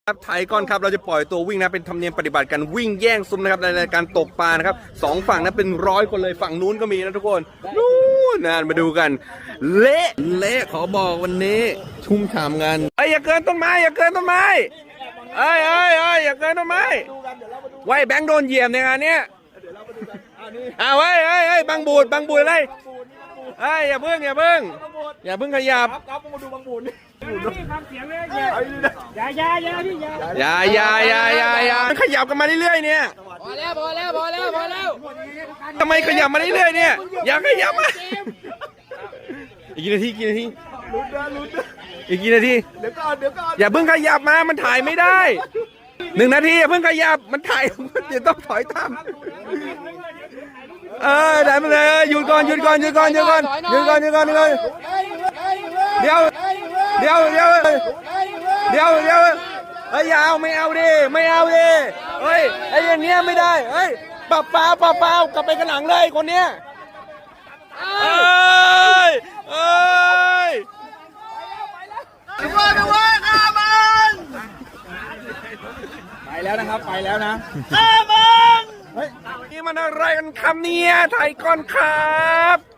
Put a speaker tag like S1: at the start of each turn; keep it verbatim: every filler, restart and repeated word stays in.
S1: ครับไทยก่อนครับเราจะปล่อยตัววิ่งนะเป็นธรรมเนียมปฏิบัติการวิ่งแย่งซุ้มนะครับในรายการตกปลานะครับสองฝั่งนั้นเป็นร้อยคนเลยฝั่งนู้นก็มีนะทุกคนนู้นนะมาดูกันเละเละขอบอกวันนี้ชุ่มฉ่ำกันเอ้ยอย่าเกินต้นไม้อย่าเกินต้นไม้เอ้ยเอ้ยเอ้ยอย่าเกินต้นไม้ไว้แบงค์โดนเหยียบในงานเนี้ยอ้าวเอ้ยเอ้ยเอ้ยบังบูดบังบูดเลยเอ้ยอย่าเพิ่งอย่าเพิ่งอย่าเพิ่งขยับ
S2: ครับมาดูบางบุญนี่ฟังเสียงเลยอย่าอย่าอย่าพี่อย่า
S1: อย่าอย่าอย่าอย่าอย่าขยับกันมาเรื่อยๆเนี่ย
S2: พอแล้วพอแล้วพอแล้วพอแล้ว
S1: ทำไมขยับมาเรื่อยๆเนี่ยอย่าขยับมาอีกกี่นาทีกี่นาที
S2: ลุ้นนะลุ้นนะ
S1: อีกกี่นาที
S2: เดี๋ยวก่อนเดี๋ยวก่อน
S1: อย่าเพิ่งขยับมามันถ่ายไม่ได้หนึ่งนาทีอย่าเพิ่งขยับมันถ่ายเดี๋ยวต้องถอยตามเออได้มาเลยหยุดก่อนหยุดก่อนหยุดก่อนหยุดก่อนหยุดก่อนหยุดก่อนหยุดก่อนเดี๋ยวเดี๋ยวเดี๋ยวเดี๋ยวเดี๋ยวเฮ้ยอย่าเอาไม่เอาดิไม่เอาดิเฮ้ยไอ้อย่างเงี้ยไม่ได้เฮ้ยเปล่าเปล่าเปล่าเปล่ากลับไปกันหลังเลยคนเนี้ยเอ้ยเอ้ย
S2: ไปว่าไปว่าข้ามันไปแล้วนะครับไปแล้วนะข้ามัน
S1: นี่มันอะไรกันครับเนี่ยไทยก่อนครับ